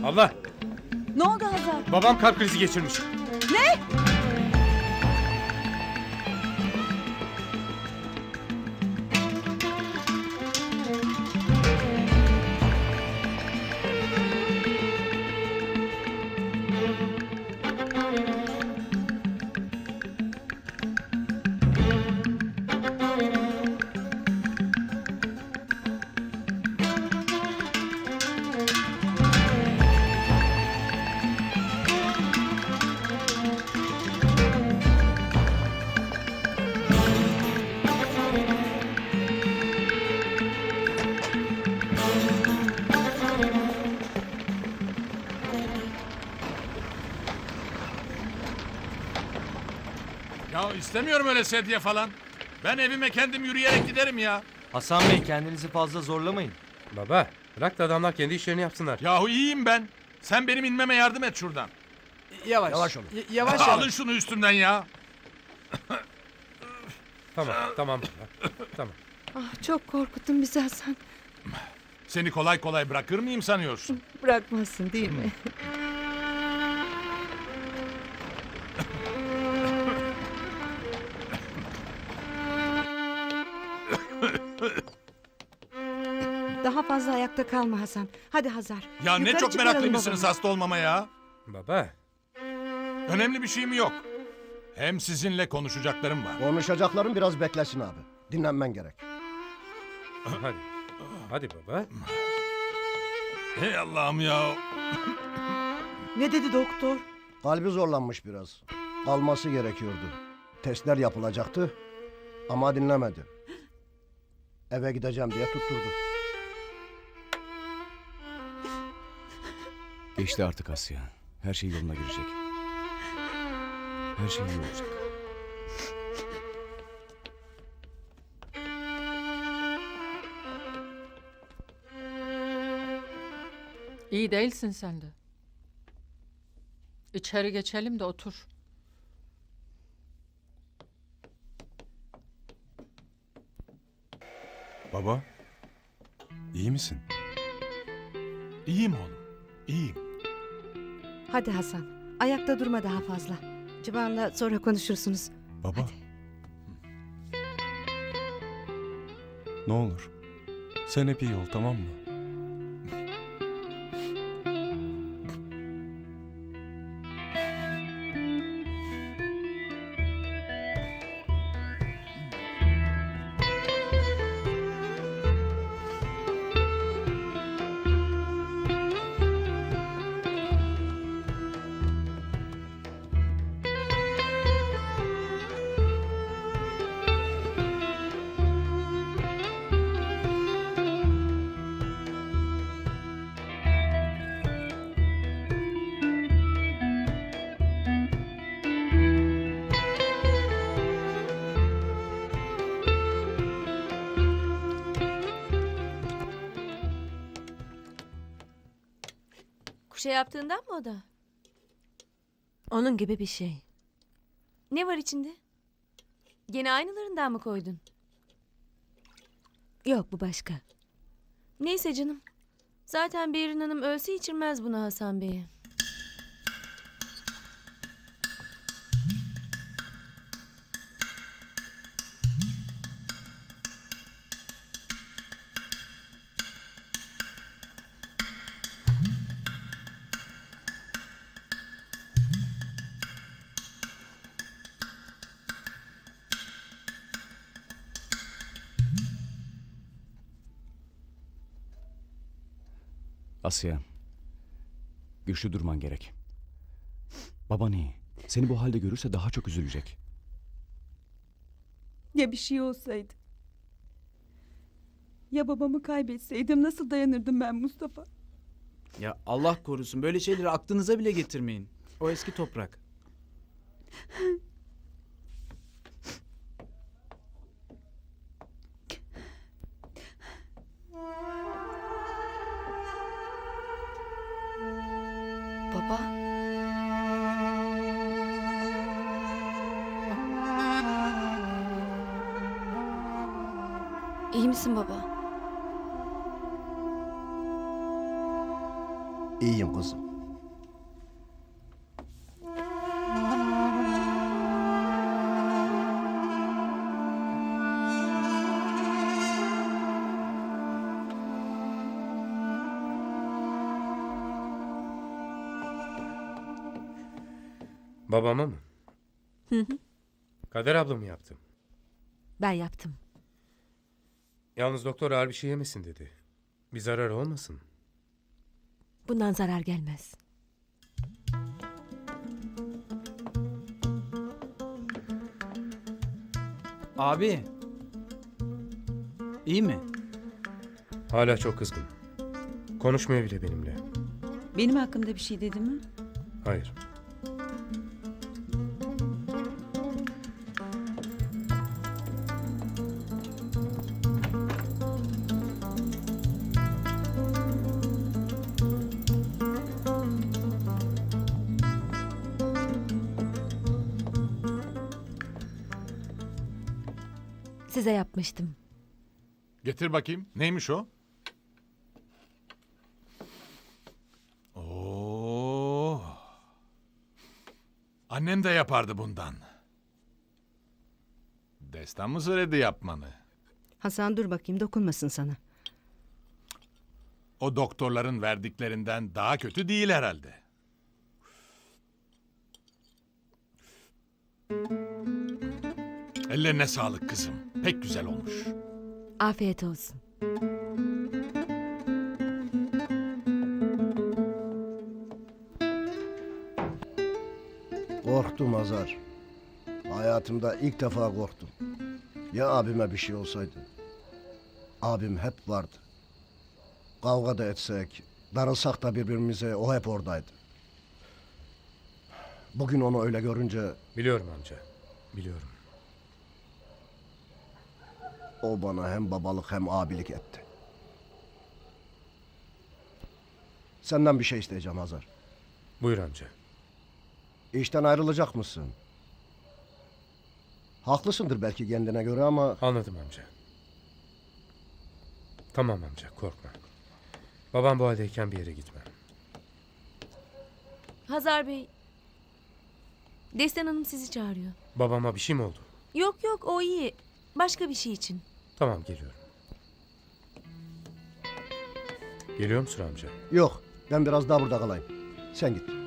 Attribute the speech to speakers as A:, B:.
A: Allah!
B: Ne oldu Hazar?
A: Babam kalp krizi geçirmiş.
B: Ne?
C: Ya istemiyorum öyle sedye falan. Ben evime kendim yürüyerek giderim ya.
D: Hasan Bey, kendinizi fazla zorlamayın.
A: Baba, bırak da adamlar kendi işlerini yapsınlar.
C: Yahu iyiyim ben. Sen benim inmeme yardım et şuradan.
E: Yavaş.
F: Yavaş olun.
E: Yavaş
C: Alın
E: yavaş.
C: şunu üstümden ya.
A: Tamam baba, tamam.
B: Ah, çok korkuttun bizi Hasan.
C: Seni kolay kolay bırakır mıyım sanıyorsun?
B: Bırakmazsın değil mi? Daha fazla ayakta kalma Hasan. Hadi Hazar.
C: Ya ne
B: Yukarı
C: çok
B: çıkaralım
C: meraklıymışsınız
B: babamı.
C: hasta olmama ya.
A: Baba,
C: Önemli bir şeyim yok. Hem sizinle konuşacaklarım var.
F: Konuşacakların biraz beklesin abi. Dinlenmen gerek.
A: hadi. Hadi baba.
C: Hey Allah'ım ya.
B: Ne dedi doktor?
F: Kalbi zorlanmış biraz. Kalması gerekiyordu. Testler yapılacaktı ama dinlemedi. Eve gideceğim diye tutturdu.
G: Geçti artık Asya. Her şey yoluna girecek. Her şey iyi olacak.
H: İyi değilsin sen de. İçeri geçelim de otur.
I: Baba, iyi misin?
C: İyiyim oğlum. İyiyim.
B: Hadi Hasan. Ayakta durma daha fazla. Civan'la sonra konuşursunuz.
I: Baba. Ne olur. Sen hep iyi ol, tamam mı?
J: Kuşa yaptığından mı o da?
B: Onun gibi bir şey.
J: Ne var içinde? Gene aynılarından mı koydun?
B: Yok, bu başka.
J: Neyse canım. Zaten Behrin Hanım ölse içirmez bunu Hasan Bey'e.
G: Asya, güçlü durman gerek. Baban iyi. Seni bu halde görürse daha çok üzülecek.
K: Ya bir şey olsaydı? Ya babamı kaybetseydim nasıl dayanırdım ben Mustafa?
E: Ya Allah korusun, böyle şeyleri aklınıza bile getirmeyin. O eski toprak.
J: Baba. İyi misin baba?
F: İyiyim kızım.
A: Babama mı?
B: Hı hı.
A: Kader abla mı yaptı?
B: Ben yaptım.
A: Yalnız doktor ağır bir şey yemesin dedi. Bir zarar olmasın.
B: Bundan zarar gelmez.
E: Abi. İyi mi?
A: Hala çok kızgın. Konuşmuyor bile benimle.
K: Benim hakkımda bir şey dedi mi?
A: Hayır.
B: Size yapmıştım.
C: Getir bakayım. Neymiş o? Oo. Annem de yapardı bundan. Destan mı söyledi yapmanı?
B: Hasan dur bakayım dokunmasın sana.
C: O doktorların verdiklerinden daha kötü değil herhalde. Ellerine sağlık kızım. Pek güzel olmuş.
B: Afiyet olsun.
F: Korktum Hazar. Hayatımda ilk defa korktum. Ya abime bir şey olsaydı? Abim hep vardı. Kavga da etsek, darılsak da birbirimize o hep oradaydı. Bugün onu öyle görünce
A: Biliyorum amca. Biliyorum.
F: o bana hem babalık hem abilik etti. Senden bir şey isteyeceğim Hazar.
A: Buyur amca.
F: İşten ayrılacak mısın? Haklısındır belki kendine göre ama
A: Anladım amca. Tamam amca korkma. Babam bu haldeyken bir yere gitme.
J: Hazar Bey. Destan Hanım sizi çağırıyor.
A: Babama bir şey mi oldu?
J: Yok yok o iyi. Başka bir şey için.
A: Tamam geliyorum. Geliyor musun amca?
F: yok, ben biraz daha burada kalayım. Sen git.